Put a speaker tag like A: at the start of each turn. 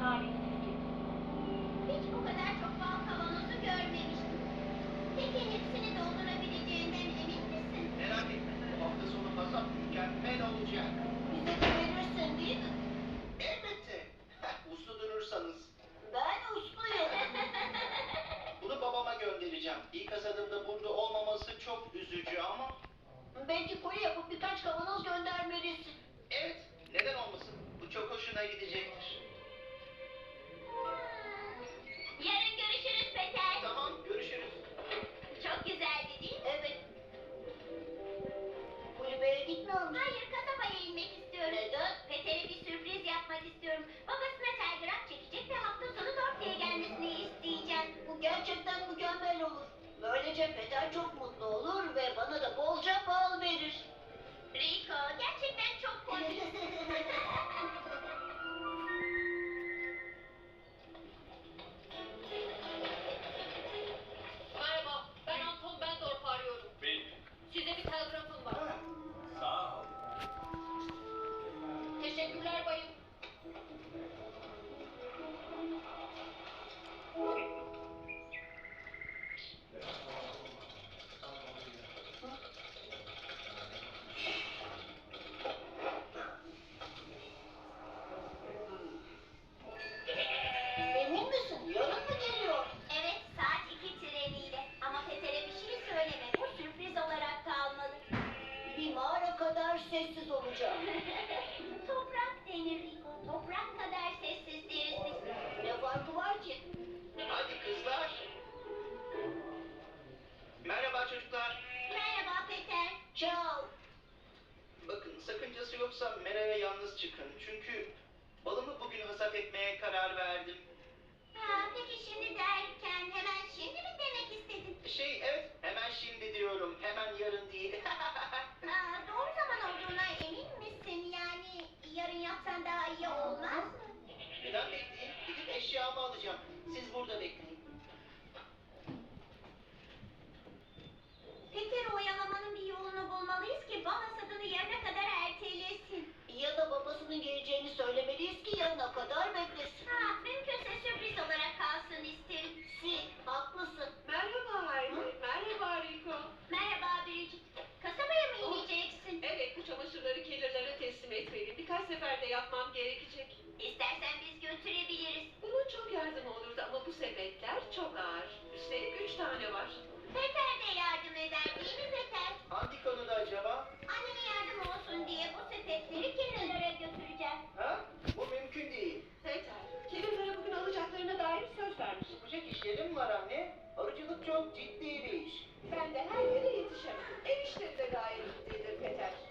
A: talihsizlik.
B: Hiç bu kadar çok bal kavanozu görmemiştim. Peki hepsini doldurabileceğinden emin misin?
C: Merak etme. Bu hafta sonu kasap mükemmel olacak.
B: Bize de verirsin değil mi?
C: Elbette. Uslu durursanız.
B: Ben usluyum.
C: Bunu babama göndereceğim. İlk hasadımda burada olmaması çok üzücü ama...
B: Belki koli yapıp birkaç kavanoz göndermelisin.
C: Evet, neden olmasın? Bu çok hoşuna gidecektir.
B: Yarın görüşürüz Peter.
C: Tamam, görüşürüz.
B: Çok güzeldi değil mi? Evet. Kulübeye gitmiyor musun? Hayır, kasabaya inmek istiyorum. Neden? Peter'e bir sürpriz yapmak istiyorum. Babasına telgraf çekecek ve hafta sonu Dortmund'a gelmesini isteyeceğim. Bu gerçekten mükemmel olur. Böylece Peter çok mutlu olur ve bana da bolca bal verir. Rico, gerçekten çok komik.
A: Merhaba, ben Anton Bendorf arıyorum.
D: Benim.
A: Size bir telgrafım var.
D: Sağ ol.
A: Teşekkürler bayım.
B: Emin misin? Yarın mı geliyor? Evet, saat 2 treniyle. Ama Peter'e bir şey söyleme. Bu sürpriz olarak kalmalı. Bir mağara kadar sessiz olacağım. Toprak denir Rico. Toprak kadar sessiz deriz biz. Ne farkı var ki?
C: Hadi kızlar. Merhaba çocuklar.
B: Merhaba Peter. Ciao.
C: Bakın sakıncası yoksa Mera'ya yalnız çıkın. Çünkü balımı bugün hasat etmeye karar verdim.
B: Ha, peki şimdi derken hemen şimdi mi demek istedin?
C: Evet, hemen şimdi diyorum. Hemen yarın değil.
B: Aa, doğru zaman olduğuna emin misin? Yani yarın yapsan daha iyi olmaz mı?
C: Neden bekleyeyim? Gidip eşyamı alacağım. Siz burada bekleyin.
B: Peter'i oyalamanın bir yolunu bulmalıyız ki bal hasadını yarına kadar ertelesin. Ya da babasının geleceğini söylemeliyiz ki yarına kadar beklesin. Ha, mümkünse sürpriz olarak kalsın isterim. Haklısın.
E: Merhaba Hayri, merhaba Rico.
B: Merhaba Biricik. Kasabaya mı ineceksin?
E: Evet, bu çamaşırları kelirlere teslim etmeliyim. Birkaç seferde yapmam gerekecek.
B: İstersen biz götürebiliriz.
E: Bunun çok yardımı olurdu ama bu sepetler çok ağır. Üstelik 3 tane var.
B: Peter de yardım eder değil mi Peter?
C: Hangi konuda acaba?
B: Annene yardım olsun diye bu sepetleri kenarlara götüreceğim.
C: Ha? Bu mümkün değil.
E: Peter, kelirlere bugün alacaklarına dair söz vermiş.
C: Yapacak işlerim var anne. Arıcılık çok ciddi bir iş.
E: Ben de her yere yetişemem. Ev işleri de gayet ciddidir Peter.